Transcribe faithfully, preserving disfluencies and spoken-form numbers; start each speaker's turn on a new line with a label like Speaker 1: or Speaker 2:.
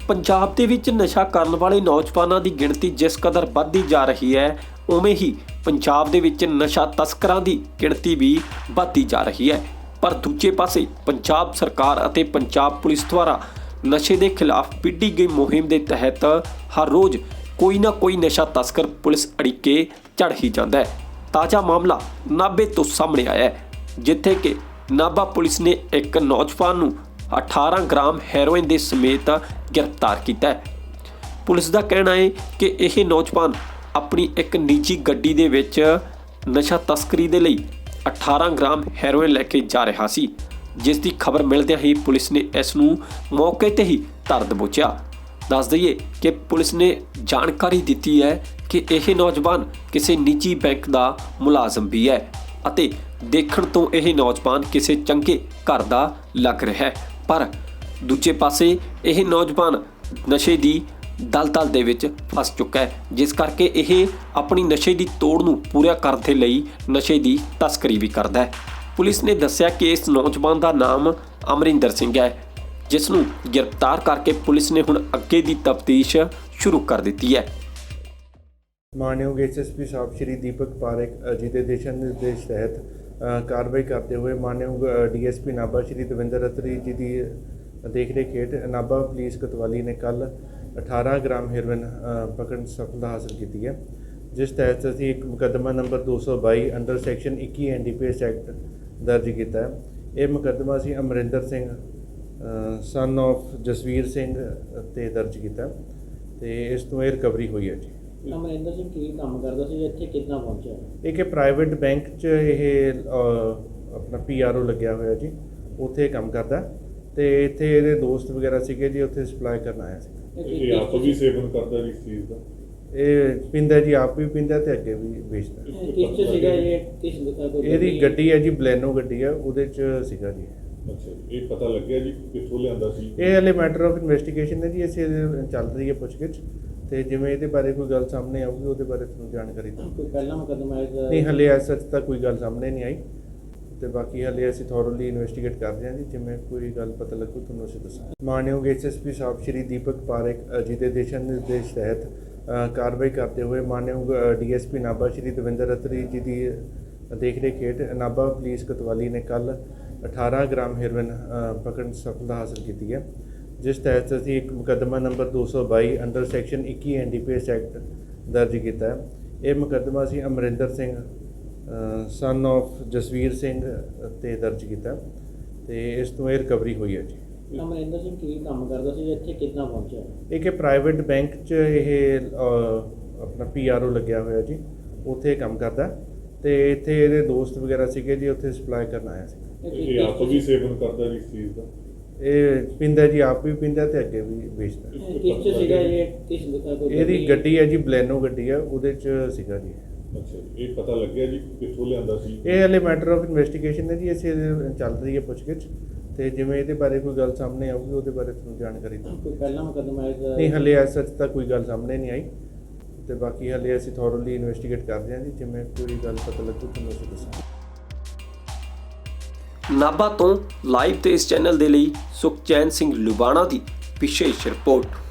Speaker 1: ਪੰਜਾਬ ਦੇ ਵਿੱਚ ਨਸ਼ਾ ਕਰਨ ਵਾਲੇ ਨੌਜਵਾਨਾਂ ਦੀ ਗਿਣਤੀ ਜਿਸ ਕਦਰ ਵੱਧਦੀ ਜਾ ਰਹੀ ਹੈ, ਉਵੇਂ ਹੀ ਪੰਜਾਬ ਦੇ ਵਿੱਚ ਨਸ਼ਾ ਤਸਕਰਾਂ ਦੀ ਗਿਣਤੀ ਵੀ ਵੱਧਦੀ ਜਾ ਰਹੀ ਹੈ। ਪਰ ਦੂਜੇ ਪਾਸੇ ਪੰਜਾਬ ਸਰਕਾਰ ਅਤੇ ਪੰਜਾਬ ਪੁਲਿਸ ਦੁਆਰਾ ਨਸ਼ੇ ਦੇ ਖਿਲਾਫ ਵਿੱਢੀ ਗਈ ਮੁਹਿੰਮ ਦੇ ਤਹਿਤ ਹਰ ਰੋਜ਼ ਕੋਈ ਨਾ ਕੋਈ ਨਸ਼ਾ ਤਸਕਰ ਪੁਲਿਸ ਅੜਿੱਕੇ ਚੜ੍ਹ ਹੀ ਜਾਂਦਾ ਹੈ। ਤਾਜ਼ਾ ਮਾਮਲਾ ਨਾਭੇ ਤੋਂ ਸਾਹਮਣੇ ਆਇਆ ਹੈ, ਜਿੱਥੇ ਕਿ ਨਾਭਾ ਪੁਲਿਸ ਨੇ ਇੱਕ ਨੌਜਵਾਨ ਨੂੰ ਅਠਾਰਾਂ ਗ੍ਰਾਮ ਹੈਰੋਇਨ ਦੇ ਸਮੇਤ ਗ੍ਰਿਫਤਾਰ ਕੀਤਾ ਹੈ। ਪੁਲਿਸ ਦਾ ਕਹਿਣਾ ਹੈ ਕਿ ਇਹ ਨੌਜਵਾਨ ਆਪਣੀ ਇੱਕ ਨਿੱਜੀ ਗੱਡੀ ਦੇ ਵਿੱਚ ਨਸ਼ਾ ਤਸਕਰੀ ਦੇ ਲਈ ਅਠਾਰਾਂ ਗ੍ਰਾਮ ਹੈਰੋਇਨ ਲੈ ਕੇ ਜਾ ਰਿਹਾ ਸੀ, ਜਿਸ ਦੀ ਖਬਰ ਮਿਲਦਿਆਂ ਹੀ ਪੁਲਿਸ ਨੇ ਇਸ ਨੂੰ ਮੌਕੇ ਤੇ ਹੀ ਧਰ ਦਬੋਚਿਆ। ਦੱਸ ਦਈਏ ਕਿ ਪੁਲਿਸ ਨੇ ਜਾਣਕਾਰੀ ਦਿੱਤੀ ਹੈ ਕਿ ਇਹ ਨੌਜਵਾਨ ਕਿਸੇ ਨਿੱਜੀ ਬੈਂਕ ਦਾ ਮੁਲਾਜ਼ਮ ਵੀ ਹੈ ਅਤੇ ਦੇਖਣ ਤੋਂ ਇਹ ਨੌਜਵਾਨ ਕਿਸੇ ਚੰਗੇ ਘਰ ਦਾ ਲੱਗ ਰਿਹਾ ਹੈ। ਪਰ ਦੂਜੇ ਪਾਸੇ ਇਹ ਨੌਜਵਾਨ ਨਸ਼ੇ ਦੀ ਦਲਦਲ ਦੇ ਵਿੱਚ ਫਸ ਚੁੱਕਾ ਹੈ, ਜਿਸ ਕਰਕੇ ਇਹ ਆਪਣੀ ਨਸ਼ੇ ਦੀ ਤੋੜ ਨੂੰ ਪੂਰਾ ਕਰਨ ਦੇ ਲਈ ਨਸ਼ੇ ਦੀ ਤਸਕਰੀ ਵੀ ਕਰਦਾ ਹੈ। ਪੁਲਿਸ ਨੇ ਦੱਸਿਆ ਕਿ ਇਸ ਨੌਜਵਾਨ ਦਾ ਨਾਮ ਅਮਰਿੰਦਰ ਸਿੰਘ ਹੈ, ਜਿਸ ਨੂੰ ਗ੍ਰਿਫਤਾਰ ਕਰਕੇ ਪੁਲਿਸ ਨੇ ਹੁਣ ਅੱਗੇ ਦੀ ਤਫਤੀਸ਼ ਸ਼ੁਰੂ ਕਰ ਦਿੱਤੀ ਹੈ।
Speaker 2: ਮਾਨਯੋਗ ਐਸ ਐਸ ਪੀ ਸਾਹਿਬ ਸ਼੍ਰੀ ਦੀਪਕ ਪਾਰੇਖ ਜੀ ਦੇ ਦਿਸ਼ਾ ਨਿਰਦੇਸ਼ ਤਹਿਤ ਕਾਰਵਾਈ ਕਰਦੇ ਹੋਏ ਮਾਨਯੋਗ D S P Nabha Shri Davinder Ratri ji ਦੀ ਦੇਖ ਰੇਖ ਹੇਠ ਨਾਭਾ ਪੁਲਿਸ ਕੋਤਵਾਲੀ ਨੇ ਕੱਲ੍ਹ ਅਠਾਰਾਂ ਗ੍ਰਾਮ ਹੈਰੋਇਨ ਪਕੜਨ ਸਫਲਤਾ ਹਾਸਲ ਕੀਤੀ ਹੈ, ਜਿਸ ਤਹਿਤ ਅਸੀਂ ਇੱਕ ਮੁਕੱਦਮਾ ਨੰਬਰ ਦੋ ਸੌ ਬਾਈ ਅੰਡਰ ਸੈਕਸ਼ਨ ਇੱਕੀ N D P S act ਦਰਜ ਕੀਤਾ ਹੈ। ਇਹ ਮੁਕੱਦਮਾ ਅਸੀਂ ਅਮਰਿੰਦਰ ਸਿੰਘ ਸਨ ਆਫ ਜਸਵੀਰ ਸਿੰਘ ਤੇ ਦਰਜ ਕੀਤਾ ਤੇ ਇਸ ਤੋਂ ਇਹ ਰਿਕਵਰੀ ਹੋਈ ਹੈ ਜੀ।
Speaker 3: ਅਮਰਿੰਦਰ ਸਿੰਘ ਕੀ ਕੰਮ ਕਰਦਾ ਸੀ, ਇੱਥੇ ਕਿੱਦਾਂ ਪਹੁੰਚਿਆ?
Speaker 2: ਇਹ ਪ੍ਰਾਈਵੇਟ ਬੈਂਕ 'ਚ ਇਹ ਆਪਣਾ ਪੀ ਆਰ ਓ ਲੱਗਿਆ ਹੋਇਆ ਜੀ, ਉੱਥੇ ਕੰਮ ਕਰਦਾ ਤੇ ਇੱਥੇ ਇਹਦੇ ਦੋਸਤ ਵਗੈਰਾ ਸੀਗੇ ਜੀ, ਉੱਥੇ ਸਪਲਾਈ ਕਰਨ ਆਇਆ ਸੀ।
Speaker 4: ਇਹ ਆਪ ਵੀ ਸੇਵਨ ਕਰਦਾ ਇਸ ਚੀਜ਼ ਦਾ?
Speaker 2: ਇਹ ਪੀਂਦਾ ਜੀ, ਆਪ ਵੀ ਪੀਂਦਾ ਤੇ ਅੱਗੇ ਵੀ ਵੇਚਦਾ।
Speaker 3: ਕਿਸ 'ਚ ਸੀਗਾ ਇਹ? ਕਿਸ
Speaker 2: ਇਹਦੀ ਗੱਡੀ ਹੈ ਜੀ, ਬਲੈਨੋ ਗੱਡੀ ਹੈ, ਉਹਦੇ 'ਚ ਸੀਗਾ ਜੀ।
Speaker 4: ਅੱਛਾ, ਇਹ ਪਤਾ ਲੱਗਿਆ ਜੀ ਕਿੱਥੋਂ ਲਿਆਂਦਾ ਸੀ?
Speaker 2: ਇਹ ਹਲੇ ਮੈਟਰ ਆਫ ਇਨਵੈਸਟੀਗੇਸ਼ਨ ਹੈ ਜੀ, ਅਸੀਂ ਚੱਲ ਰਹੀ ਹੈ ਪੁੱਛਗਿੱਛ ਤੇ ਜਿਵੇਂ ਇਹਦੇ ਬਾਰੇ ਕੋਈ ਗੱਲ ਸਾਹਮਣੇ ਆਊਗੀ ਉਹਦੇ ਬਾਰੇ ਤੁਹਾਨੂੰ ਜਾਣਕਾਰੀ ਦਵਾਂਗੇ।
Speaker 3: ਕੋਈ ਪਹਿਲਾ ਮੁਕੱਦਮਾ ਹੈ?
Speaker 2: ਨਹੀਂ, ਹਲੇ ਐਸ ਸੱਚ ਤਾਂ ਕੋਈ ਗੱਲ ਸਾਹਮਣੇ ਨਹੀਂ ਆਈ ਤੇ ਬਾਕੀ ਹਲੇ ਅਸੀਂ ਥੋਰਲੀ ਇਨਵੈਸਟੀਗੇਟ ਕਰ ਰਹੇ ਹਾਂ ਜੀ, ਜਿਵੇਂ ਕੋਈ ਗੱਲ ਪਤਾ ਲੱਗੂ ਤੁਹਾਨੂੰ ਅਸੀਂ ਦੱਸਾਂਗੇ। ਮਾਨਯੋਗ ਐਸ ਐਸ ਪੀ ਸਾਹਿਬ ਸ਼੍ਰੀ ਦੀਪਕ ਪਾਰੇਖ ਜੀ ਦੇ ਦਿਸ਼ਾ ਨਿਰਦੇਸ਼ ਤਹਿਤ ਕਾਰਵਾਈ ਕਰਦੇ ਹੋਏ ਮਾਨਯੋਗ D S P Nabha Shri Davinder Ratri ji ਦੀ ਦੇਖ ਰੇਖ ਹੇਠ ਨਾਭਾ ਪੁਲਿਸ ਕੋਤਵਾਲੀ ਨੇ ਕੱਲ੍ਹ ਅਠਾਰਾਂ ਗ੍ਰਾਮ ਹੈਰੋਇਨ ਪਕੜਨ ਸਫਲਤਾ ਹਾਸਲ ਕੀਤੀ ਹੈ, ਜਿਸ ਤਹਿਤ ਅਸੀਂ ਇੱਕ ਮੁਕੱਦਮਾ ਨੰਬਰ ਦੋ ਸੌ ਬਾਈ ਅੰਡਰ ਸੈਕਸ਼ਨ ਇੱਕੀ N D P S act ਦਰਜ ਕੀਤਾ ਹੈ। ਇਹ ਮੁਕੱਦਮਾ ਅਸੀਂ ਅਮਰਿੰਦਰ ਸਿੰਘ ਸਨ ਆਫ ਜਸਵੀਰ ਸਿੰਘ ਤੇ ਦਰਜ ਕੀਤਾ ਤੇ ਇਸ ਤੋਂ ਇਹ ਰਿਕਵਰੀ ਹੋਈ ਹੈ ਜੀ।
Speaker 3: ਅਮਰਿੰਦਰ ਸਿੰਘ ਕੀ ਕੰਮ ਕਰਦਾ ਸੀ, ਇੱਥੇ ਕਿੱਦਾਂ ਪਹੁੰਚਿਆ?
Speaker 2: ਇਹ ਪ੍ਰਾਈਵੇਟ ਬੈਂਕ 'ਚ ਇਹ ਆਪਣਾ ਪੀ ਆਰ ਓ ਲੱਗਿਆ ਹੋਇਆ ਜੀ, ਉੱਥੇ ਕੰਮ ਕਰਦਾ ਤੇ ਇੱਥੇ ਇਹਦੇ ਦੋਸਤ ਵਗੈਰਾ ਸੀਗੇ ਜੀ, ਉੱਥੇ ਸਪਲਾਈ ਕਰਨ ਆਇਆ ਸੀ।
Speaker 4: ਇਹ ਆਪ ਵੀ ਸੇਵਨ ਕਰਦਾ ਇਸ ਚੀਜ਼ ਦਾ?
Speaker 2: ਇਹ ਪੀਂਦਾ ਜੀ, ਆਪ ਵੀ ਪੀਂਦਾ ਤੇ ਅੱਗੇ ਵੀ ਵੇਚਦਾ।
Speaker 3: ਕਿਸ 'ਚ ਸੀਗਾ ਇਹ? ਕਿਸ
Speaker 2: ਇਹਦੀ ਗੱਡੀ ਹੈ ਜੀ, ਬਲੈਨੋ ਗੱਡੀ ਹੈ, ਉਹਦੇ 'ਚ ਸੀਗਾ ਜੀ।
Speaker 4: ਅੱਛਾ, ਇਹ ਪਤਾ ਲੱਗਿਆ ਜੀ ਕਿੱਥੋਂ ਲਿਆਂਦਾ ਸੀ?
Speaker 2: ਇਹ ਹਲੇ ਮੈਟਰ ਆਫ ਇਨਵੈਸਟੀਗੇਸ਼ਨ ਹੈ ਜੀ, ਅਸੀਂ ਚੱਲ ਰਹੀ ਹੈ ਪੁੱਛਗਿੱਛ ਤੇ ਜਿਵੇਂ ਇਹਦੇ ਬਾਰੇ ਕੋਈ ਗੱਲ ਸਾਹਮਣੇ ਆਊਗੀ ਉਹਦੇ ਬਾਰੇ ਤੁਹਾਨੂੰ ਜਾਣਕਾਰੀ ਦਵਾਂਗੇ।
Speaker 3: ਕੋਈ ਪਹਿਲਾ ਮੁਕੱਦਮਾ ਹੈ?
Speaker 2: ਨਹੀਂ, ਹਲੇ ਐਸ ਸੱਚ ਤਾਂ ਕੋਈ ਗੱਲ ਸਾਹਮਣੇ ਨਹੀਂ ਆਈ ਤੇ ਬਾਕੀ ਹਲੇ ਅਸੀਂ ਥੋਰਲੀ ਇਨਵੈਸਟੀਗੇਟ ਕਰ ਰਹੇ ਹਾਂ ਜੀ, ਜਿਵੇਂ ਕੋਈ ਗੱਲ ਪਤਾ ਲੱਗੂ ਤੁਹਾਨੂੰ ਅਸੀਂ ਦੱਸਾਂਗੇ।
Speaker 1: ਨਾਭਾ ਤੋਂ ਲਾਈਵ ਤੇ ਇਸ ਚੈਨਲ ਦੇ ਲਈ ਸੁਖਚੈਨ ਸਿੰਘ ਲੁਬਾਣਾ ਦੀ ਵਿਸ਼ੇਸ਼ ਰਿਪੋਰਟ।